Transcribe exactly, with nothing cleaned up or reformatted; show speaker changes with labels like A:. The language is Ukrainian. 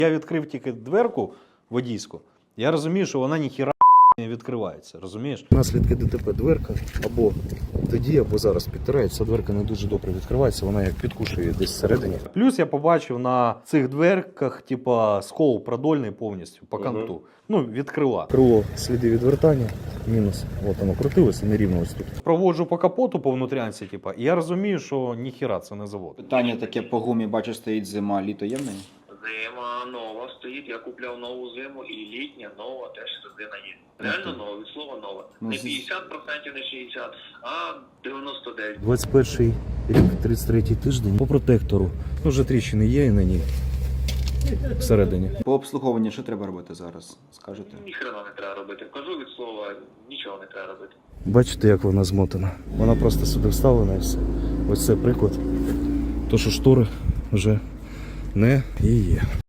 A: Я відкрив тільки дверку водійську, я розумію, що вона ніхіра не відкривається, розумієш?
B: Наслідки ДТП дверка або тоді, або зараз підтирається, дверка не дуже добре відкривається, вона як підкушує десь всередині.
A: Плюс я побачив на цих дверках, типа, скол продольний повністю по канту. Угу. Ну, від крила.
B: Крило, сліди відвертання, мінус. От воно крутилося, нерівно ось тут.
A: Проводжу по капоту по внутрянці, типа, і я розумію, що ніхіра це не завод.
C: Питання таке по гумі, бачу, стоїть зима, літо є в неї?
D: Зима нова стоїть, я купляв нову зиму і літня нова теж резина є. Реально нова, від слова нова. Не п'ятдесят відсотків, не шістдесят, а дев'яносто дев'ять.
B: двадцять перший рік, тридцять третій тиждень. По протектору. Ну, вже тріщини є і на ній. Всередині.
C: По обслуговуванню що треба робити зараз, скажете?
D: Ніхрена не треба робити. Кажу від слова, нічого не треба робити.
B: Бачите, як вона змотана? Вона просто сюди вставлена і все. Ось це приклад. То, що штори вже не її.